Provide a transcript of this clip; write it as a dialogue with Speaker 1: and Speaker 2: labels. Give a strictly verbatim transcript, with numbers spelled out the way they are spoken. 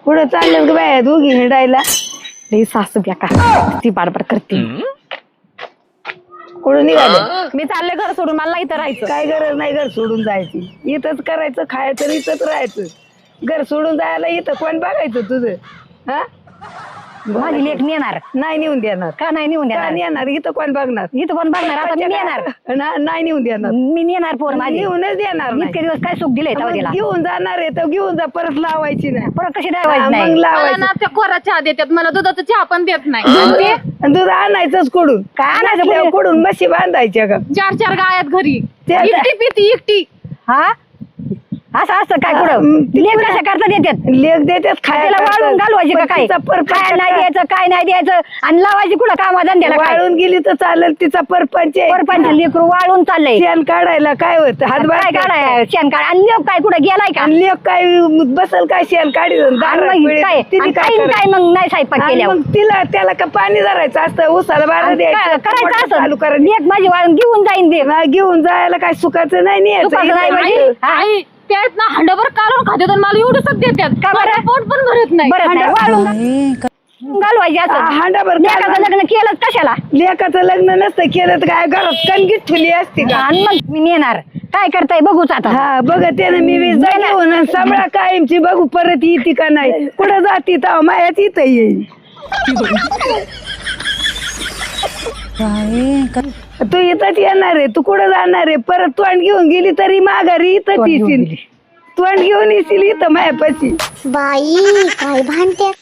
Speaker 1: कुठं चाललं ग बाया दोघी हिंडायला?
Speaker 2: लई सासू घ्या का ती बाडबाड करते.
Speaker 1: कुठं निघाले?
Speaker 2: मी चालले घर सोडून, मला इथं राहायचं.
Speaker 1: काय गरज नाही घर सोडून जायची, इथंच करायचं खायचं इथंच राहायचं. घर सोडून जायला इथं कोण बघायचं तुझं? हा
Speaker 2: माझी लेक नेणार
Speaker 1: नाही नेऊन देणार.
Speaker 2: का नाही नेऊन
Speaker 1: का
Speaker 2: देणार?
Speaker 1: नेणार? इथं कोण बघणार?
Speaker 2: इथं कोण बघणार? आता मी नेणार.
Speaker 1: ना- नाही नेऊन देणार.
Speaker 2: मी नेणार पोर माझी.
Speaker 1: नेऊनच देणार नाही.
Speaker 2: इतके दिवस काय सुख दिले
Speaker 1: मग
Speaker 2: तिला.
Speaker 1: घेऊन जाणार आहे तर घेऊन जा, परत लावायची नाही.
Speaker 2: परत कशी
Speaker 1: हा,
Speaker 2: द्यावायची
Speaker 1: मग
Speaker 2: नाही?
Speaker 3: मला
Speaker 1: लावायची.
Speaker 3: ना त्या कोरा चहा देतात, मला दुधाचा चहा पण देत नाही.
Speaker 1: दूध आणि दूध आणायचंच कुठून?
Speaker 2: काय आणायचं
Speaker 1: नसल्यावर
Speaker 2: कुठून?
Speaker 1: कुठून म्हशी बांधायच्या का?
Speaker 3: चार चार गायात घरी
Speaker 1: ते आता-
Speaker 3: एकटी पिती एकटी.
Speaker 2: हा असं असतं काय
Speaker 1: हा,
Speaker 2: कुठं?
Speaker 1: मग ती
Speaker 2: लेक
Speaker 1: कुठं-
Speaker 2: कशा करता देतात?
Speaker 1: लेख देतात
Speaker 2: तिला
Speaker 1: खायला.
Speaker 2: वाळून घालवायची का काय? काय नाही द्यायचं काय नाही द्यायचं आणि लावायची कुठं कामा धंद्याला काय?
Speaker 1: वाळून गेली तर चालेल, तिचा परपंच आहे.
Speaker 2: परपंच लेकरू वाळून चाललंय.
Speaker 1: शेण काढायला काय होत? हातभार
Speaker 2: काय काढाय शेण काढ आणि लेक काय कुठं गेलाय का?
Speaker 1: आणि लेख काय बसल काय शेण काढी
Speaker 2: आणि मग काय आणि काय काय मग नाही स्वयंपाक केल्यावर
Speaker 1: मग तिला त्याला का पाणी धरायचं असतं, उसाला बारा
Speaker 2: आणि काय-
Speaker 1: द्यायचं,
Speaker 2: करायचं असं
Speaker 1: चालू करायचं.
Speaker 2: लेक माझी वाळून घेऊन जाईन दे.
Speaker 1: ना घेऊन जायला काय सुखाचं नाही न्यायचं.
Speaker 2: सुखाचं नाही
Speaker 1: इथं
Speaker 2: म्हणजे?
Speaker 1: राहायचं.
Speaker 2: हा?
Speaker 3: आई त्यात ना हंडाभर काढून खात्यात आणि मला एवढंच देतात.
Speaker 2: का बरं?
Speaker 3: माझं पोट पण भरत नाही.
Speaker 2: बरं नाही वाळून घालवायची असं.
Speaker 1: हा, हांडाभर
Speaker 2: लेकाचं लग्न केलंच कशाला?
Speaker 1: लेकाचं लग्न नसतं केलं तर काय घरात कणगीत ठुली असती का?
Speaker 2: आणि मग मी नेणार काय करताय बघूच आता.
Speaker 1: हा बघते ना मी वीस घेऊन आणि सांभाळा कायमची, बघू परत येते का नाही. कुठं जाती तर मायाच इथं येईल. तू इथंच येणार आहे, तू कुठं जाणार आहे? परत तोंड घेऊन गेली तरी माघारी इथंच
Speaker 2: तोंड घेऊन
Speaker 1: येशील.
Speaker 2: गेली.
Speaker 1: तोंड घेऊन येशील इथं मायापाशी.
Speaker 4: बाई काय भांडते